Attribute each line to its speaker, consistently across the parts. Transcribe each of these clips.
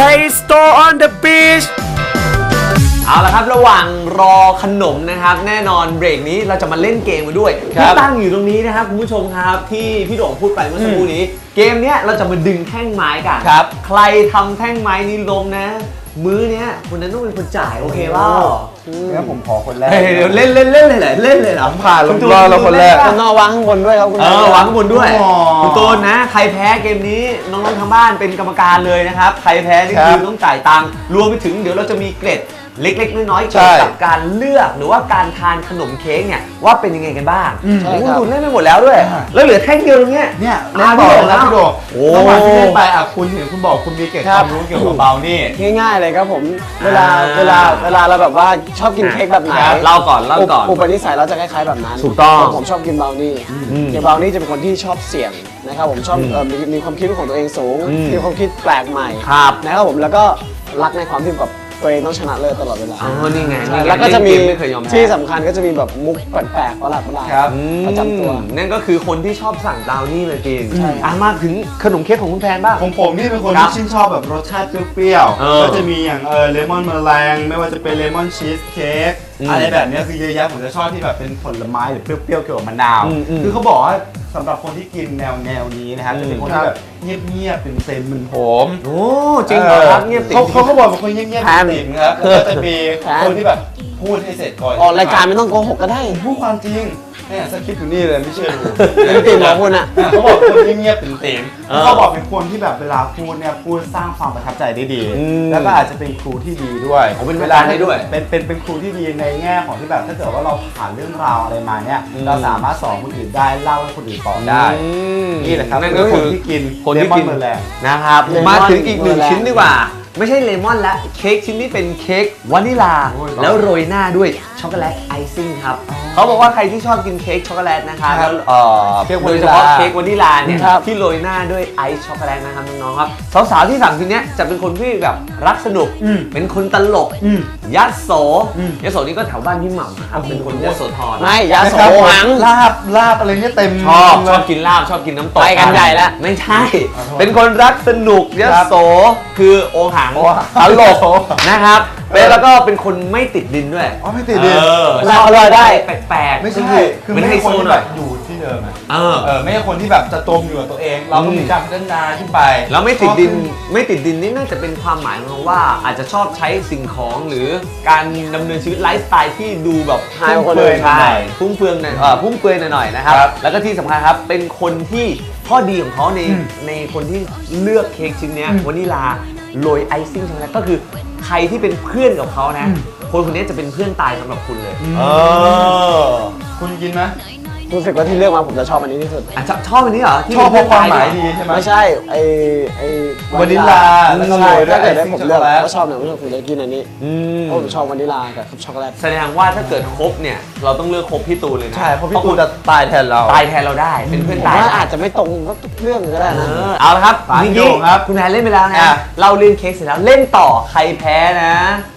Speaker 1: Play Store on the beach เอาละครับระหว่างรอขนมนะครับแน่นอนเบรกนี้เราจะมาเล่นเกมกันด้วยที่ตั้งอยู่ตรงนี้นะครับคุณผู้ชมครับที่พี่โด่งพูดไปเมื่อสักครู่นี้เกมเนี้ยเราจะมาดึงแท่งไม้กันใครทำแท่งไม้นี้ล้มนะมื้อเนี้ยคนนั้นต้องเป็นคนจ่ายโอเคเปล่า
Speaker 2: งั้นผมขอคนแรก
Speaker 1: เดี๋ยวเล่นเลยเหรอเล่นเลยเหรอ
Speaker 2: ผ่านลงรอเราคนแรก
Speaker 3: คุณนอวางข้างบนด้วยครับคุณ
Speaker 1: วางข้างบนด้วยคุณตูนนะใครแพ้เกมนี้น้องๆทางบ้านเป็นกรรมการเลยนะครับใครแพ้นี่คือต้องจ่ายตังค์รวมไปถึงเดี๋ยวเราจะมีเกร็ดเล็กๆน้อยๆเกี่ยวกับการเลือกหรือว่าการทานขนมเค้กเนี่ยว่าเป็นยังไงกันบ้างคุณตูนเล่นไปหมดแล้วด้วยแล้วเหลือแท่งเดียวตรงเนี้ย
Speaker 2: เนี่ยเล่นต่อแล้วพี่โดระหว่างที่เล่นไปคุณเห็นคุณบอกคุณมีเกร็ดความรู้เกี่ยวกับเบานี่
Speaker 3: ง่ายๆเลยครับผมเวลาเราแบบว่าชอบกินเค้กแบบไหน
Speaker 1: เล่าก่อน
Speaker 3: อุปนิสัยเราจะคล้ายๆแบบนั้น
Speaker 1: ถูกต้อง
Speaker 3: ผมชอบกินเบลนี่กินเบลนี่จะเป็นคนที่ชอบเสี่ยงนะครับผมชอบมีความคิดของตัวเองสูงมีความคิดแปลกใหม่นะครับผมแล้วก็รักในความที่แบบตัวเองต้องชนะเลิศตลอดเวลา
Speaker 1: นี่ไง
Speaker 3: แล้วก็จะมีที่สำคัญก็จะมีแบบมุกแปลกๆประหลาดประจำตัว
Speaker 1: นั่นก็คือคนที่ชอบสั่งบราวนี่เลยจริงมาถึงขนมเค้กของคุณแพนบ้าง
Speaker 2: ของผมนี่เป็นคนที่ชื่นชอบแบบรสชาติเปรี้ยวๆก็จะมีอย่างเลมอนเมลงไม่ว่าจะเป็นเลมอนชีสเค้กอะไรแบบนี้คือเยอะแยะผมจะชอบที่แบบเป็นผลไม้หรือเปรี้ยวๆเกี่ยวกับมะนาวคือเขาบอกว่าสำหรับคนที่กินแนวนี้นะครับจะเป็นคนที่แบบเงียบๆเป็นเซนมึนโหม
Speaker 1: โอ้จริงเหรอครับเงียบติ่ม
Speaker 2: เขาบอกเป็นคนเงียบๆติ่มครับแล้วก็จะมีคนที่แบบพูดให้เสร็จก่อน
Speaker 3: ออกรายการไม่ต้องโกหกก็ได้
Speaker 2: พูดความจริงเนี่ยสคริปต์อยู่นี่เลยไม่เชื่อดู
Speaker 3: เป็นติ่มของคุณอ่ะ
Speaker 2: เขาบอกคนเงียบๆเป็นติ่มเขาบอกเป็นคนที่แบบเวลาพูดเนี่ยพูดสร้างความประทับใจได้ดีแล้วก็อาจจะเป็นครูที่ดีด้วย
Speaker 1: เป็นเวลาได้ด้วย
Speaker 2: เป็นครูที่ดีในแง่ของที่แบบถ้าเกิดว่าเราผ่านเรื่องราวอะไรมาเนี่ยเราสามารถสอนคนอื่นได้เล่าให้คนอื่นต่อได้นี่แหละครับ
Speaker 1: นั่นก็คือคนที่กินนะครับมาถึงอีกหนึ่งชิ้นดีกว่าไม่ใช่เลมอนและเค้กชิ้นนี้เป็นเค้กวานิลาแล้วโรยหน้าด้วยช็อกโกแลตไอซิ่งครับเขาบอกว่าใครที่ชอบกินเค้กช็อกโกแลตนะคะแล้วโดยเฉพาะเค้กวานิลาเนี่ยที่โรยหน้าด้วยไอซ์ช็อกโกแลตนะครับน้องๆครับสาวๆที่สั่งชิ้นนี้จะเป็นคนที่แบบรักสนุกเป็นคนตลกยัดโสนี่ก็แถวบ้านพี่หม่ำนะครับเป็นคนยัดโสธร
Speaker 3: ไม่ยัดโสหัง
Speaker 2: ลาบอะไรเนี่ยเต็ม
Speaker 1: ชอบกินลาบชอบกินน้ำตก
Speaker 3: ไปกันใหญ่แล้ว
Speaker 1: ไม่ใช่เป็นคนรักสนุกยัดโสคือโอหังตลกนะครับแล้วก็เป็นคนไม่ติดดินด้วย
Speaker 2: ไม่ติดดิน
Speaker 3: เราอร่อยได้
Speaker 1: แปลก
Speaker 2: ๆไม่ใช่คือไม่ใช่คนที่แบบอยู่ที่เดิมไม่ใช่คนที่แบบจะจมอยู่กับตัวเองเราต้องมีการพัฒนาขึ้นไป
Speaker 1: แล้วไม่ติดดินนี่น่าจะเป็นความหมายของว่าอาจจะชอบใช้สิ่งของหรือการดำเนินชีวิตไลฟ์สไตล์ที่ดูแบบ
Speaker 3: ฟุ่มเฟือย
Speaker 1: ฟุ่มเฟือยหน่อยนะครับแล้วก็ที่สำคัญครับเป็นคนที่ข้อดีของเขาในคนที่เลือกเค้กชิ้นนี้วานิลาโรยไอซิ่งช็อกโกแลตก็คือใครที่เป็นเพื่อนกับเขานะคนนี้จะเป็นเพื่อนตายสำหรับคุณเลย
Speaker 2: คุณกินไหม
Speaker 3: รู้สึกว่าที่เลือกมาผมจะชอบอันนี้ที่สุด
Speaker 1: ชอบอันนี้เหรอ
Speaker 2: ชอบเพราะความหมายดีใช่ไหม
Speaker 3: ไม่ใช่ไอ
Speaker 2: วานิลาแล้วก็โรยด้วยไอซิ่งช็อกโกแลต
Speaker 3: ก็ชอบเนี่ยผมจะกินอันนี้เพราะผมชอบวานิลากับช็อกโกแลต
Speaker 1: แสดงว่าถ้าเกิดครบเนี่ยเราต้องเลือกครบพี่ตูนเลยนะ
Speaker 2: ใช่เพราะพี่ตูนจะตายแทนเรา
Speaker 1: ได้เป็นเพื่อนตาย
Speaker 3: อาจจะไม่ตรงทุกเรื่องก็ได้นะ
Speaker 1: เอาละครับนี่คุณแพนเล่นไปแล้วนะเราเล่นเค้กเสร็จแล้วเล่นต่อใครแพ้นะ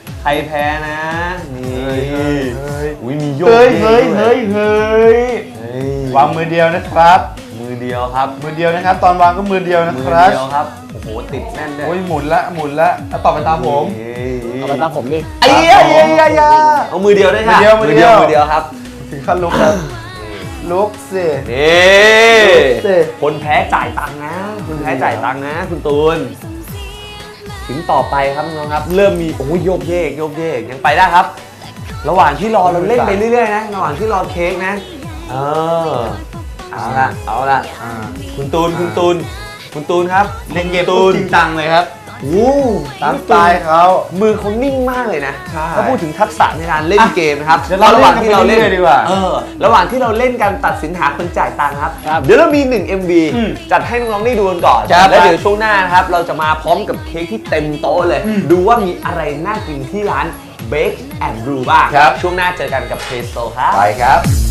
Speaker 1: นี่มีโยก
Speaker 2: เฮ้ยวางมือเดียวนะครับ
Speaker 1: มือเดียวครับ
Speaker 2: ตอนวางก็มือเดียวนะครับ
Speaker 1: โอ้โหติดแน่นเลย
Speaker 2: หมุนละต่อไปตามผม
Speaker 3: ดิ
Speaker 1: เอามือเดียวได้ค่ะมือเดียวครับ
Speaker 2: ถึงขั้นลุกครับลุกสิ
Speaker 1: คนแพ้จ่ายตังค์นะคุณตูนถึงต่อไปครับน้องครับเริ่มมีโยกเยกยังไปได้ครับระหว่างที่รอเราเล่นไปเรื่อยๆนะระหว่างที่รอเค้กนะเอาละคุณตูนครับ
Speaker 2: เล่นเกมจริงจังเลยครับตามสไตล์เขา
Speaker 1: มือเขานิ่งมากเลยนะถ้าพูดถึงทักษะในการเล่นเกมนะครับ
Speaker 2: ระหว่างที่เราเล่นดีกว่า
Speaker 1: ระหว่างที่เราเล่นการตัดสินหาคนจ่ายตังค์ครับเดี๋ยวเรามี1 MV จัดให้น้องๆได้ดูกันก่อนแล้วเดี๋ยวช่วงหน้านะครับเราจะมาพร้อมกับเค้กที่เต็มโต๊ะเลยดูว่ามีอะไรน่ากินที่ร้าน Bake and Brew บ้างช่วงหน้าเจอกันกับ Play Store ครับ
Speaker 2: ไปครับ